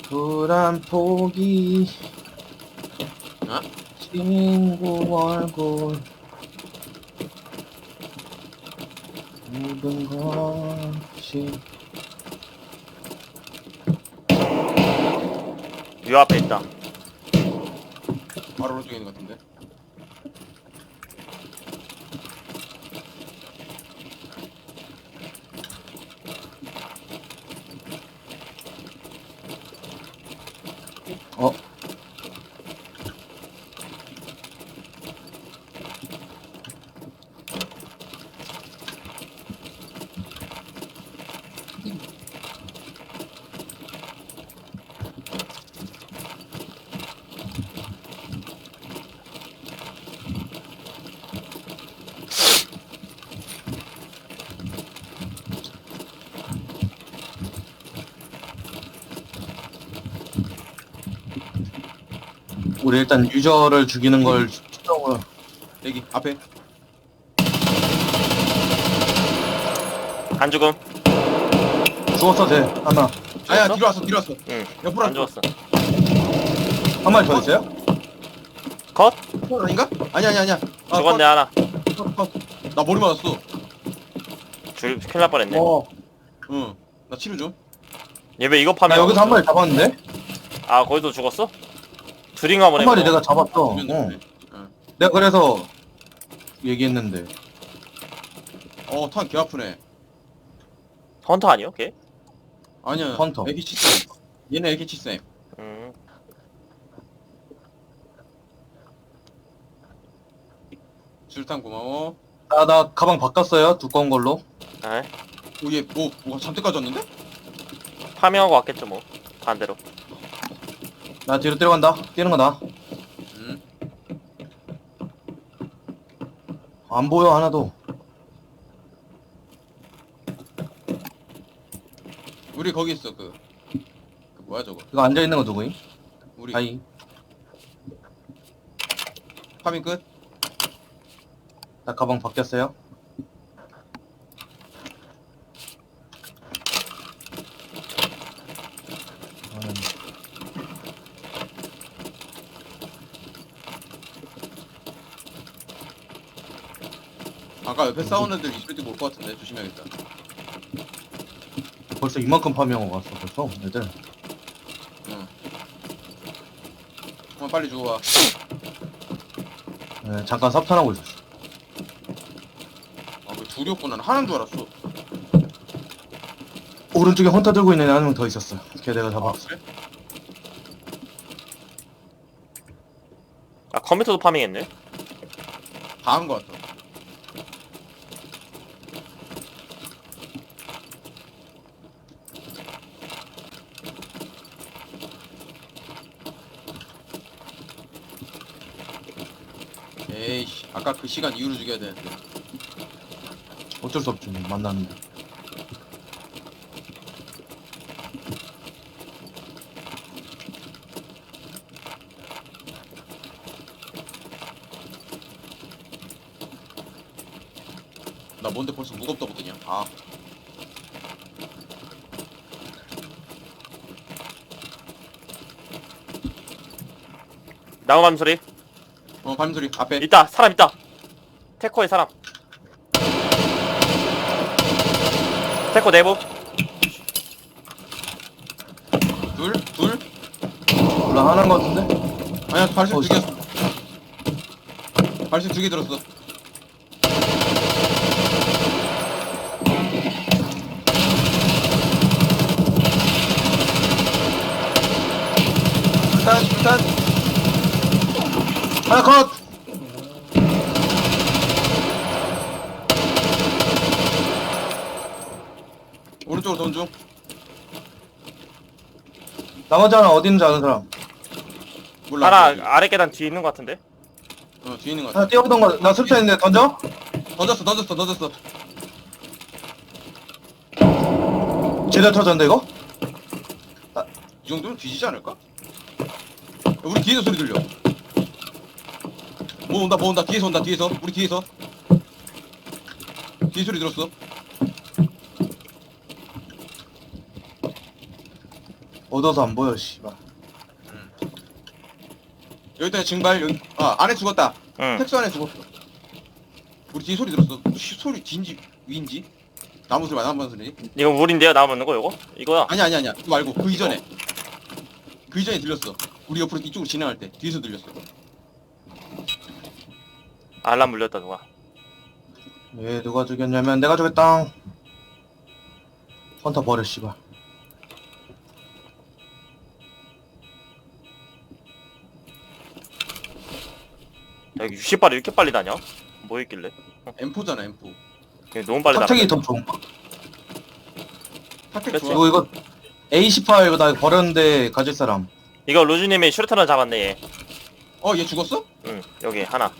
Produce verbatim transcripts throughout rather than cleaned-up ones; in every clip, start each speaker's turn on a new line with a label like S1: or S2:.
S1: 불안 포기
S2: 어?
S1: 친구 얼굴 모든 것이
S3: 요 앞에 있다.
S2: 바로 오른쪽에 있는 것 같은데.
S1: 어? 우리 일단 유저를 죽이는 걸 추정을
S2: 여기 앞에.
S3: 안 죽음.
S1: 죽었어 돼 하나
S2: 아야
S3: 죽었어?
S2: 뒤로 왔어 뒤로 왔어.
S3: 응.
S2: 옆으로
S3: 안
S2: 왔어.
S3: 죽었어.
S1: 한 마리 더 있어요?
S3: 컷?
S2: 컷 아닌가? 아니 아니 아니야. 아,
S3: 죽었네 하나.
S2: 컷, 컷. 나 머리 맞았어.
S3: 줄 큰일 날 뻔했네.
S1: 어.
S2: 응. 나 치료 좀.
S3: 얘 왜 이거
S1: 나
S3: 파면?
S1: 여기서 한 마리 잡았는데?
S3: 아 거기도 죽었어? 드링 한번
S1: 한
S3: 해보자.
S1: 마리 내가 잡았어 어.
S2: 죽였네. 응.
S1: 내가 그래서 얘기했는데
S2: 어, 탄 개 아프네.
S3: 헌터 아니요? 걔?
S2: 아니야.
S1: 헌터.
S2: 에이케이치 쌤. 얘네 에이케이치 쌤.
S3: 음.
S2: 술탄 고마워.
S1: 나, 나 가방 바꿨어요 두꺼운 걸로
S3: 아,
S2: 오, 얘 뭐, 뭐가 잔뜩 가졌는데?
S3: 파밍하고 왔겠죠 뭐. 반대로.
S1: 나 뒤로 뛰어간다 뛰는 거다
S2: 응.
S1: 안 보여 하나도
S2: 우리 거기 있어, 그. 그 뭐야, 저거.
S1: 이거 앉아있는 거 누구임?
S2: 우리
S1: 아이
S2: 파밍 끝?
S1: 나 가방 바뀌었어요 저는
S2: 아까 옆에 싸우는 애들 이럴 때 올 것 같은데. 조심해야겠다.
S1: 벌써 이만큼 파밍하고 왔어 벌써 애들
S2: 응. 한번 빨리 주워와.
S1: 네, 잠깐 삽탄하고 있었어
S2: 아, 그 둘이었구나. 나 하나인 줄 알았어.
S1: 오른쪽에 헌터 들고 있는 애 한 명 더 있었어 걔 내가 잡았어
S2: 그래?
S3: 아 컴퓨터도 파밍했네.
S2: 다 한 것 같아. 에이씨, 아까 그 시간 이후로 죽여야 되는데.
S1: 어쩔 수 없지 뭐, 만났는데
S2: 나 뭔데 벌써 무겁다고 뜨냐? 아,
S3: 나무감 소리.
S2: 어, 발음소리 앞에.
S3: 있다. 사람 있다. 테코에 사람. 테코 내부.
S2: 둘? 둘?
S1: 몰라 하나인 거 같은데?
S2: 아니야, 발색
S1: 어,
S2: 두 개였어. 발색 두 개 들었어.
S1: 일단 일단 하나 컷!
S2: 오른쪽으로 돈 중.
S1: 나머지 하나 어디 있는지 아는 사람
S2: 몰라.
S3: 하나 아래 계단 뒤에 있는 것 같은데.
S2: 어, 뒤에 있는 거 같아.
S1: 하나 뛰어보던 거나 술탄 있는데 던져?
S2: 던졌어, 던졌어, 던졌어.
S1: 제대로 터졌는데 이거?
S2: 이 정도면 뒤지지 않을까? 야, 우리 뒤에서 소리 들려. 뭐 온다, 뭐 온다. 뒤에서 온다, 뒤에서. 우리 뒤에서. 뒤에 소리 들었어.
S1: 얻어서 안 보여 씨발.
S2: 여기다 증발 여기 아 안에 죽었다.
S3: 응.
S2: 택수 안에 죽었어. 우리 뒤에 소리 들었어. 시, 소리 뒤인지 위인지? 나무 소리 나무 소리.
S3: 이거 물인데요? 나오는 거 이거? 이거야.
S2: 아니 아니 아니야. 그거 말고 그 이전에. 그 이전에 들렸어. 우리 옆으로 이쪽으로 진행할 때 뒤에서 들렸어.
S3: 알람 물렸다 누가.
S1: 왜 누가 죽였냐면 내가 죽였다. 헌터 버려 씨발.
S3: 야, 이거 육십 발이 이렇게 빨리 다녀? 뭐 있길래?
S2: 엠포잖아 엠포.
S3: 이거 너무 빨리
S1: 탁택이
S3: 달아.
S1: 더 좋은 거.
S2: 타켓
S3: 그치?
S2: 좋아.
S1: 이거 이거 에이 십팔 이거 나 버렸는데 가질 사람.
S3: 이거 루즈님이 슈루터를 잡았네 얘.
S2: 어 얘 죽었어?
S3: 응 여기 하나.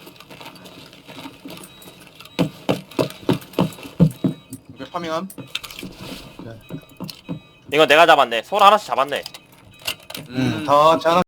S2: 오케이 파밍함.
S3: 이거 내가 잡았네. 소라 하나씩 잡았네.
S1: 음, 다 같이 하나.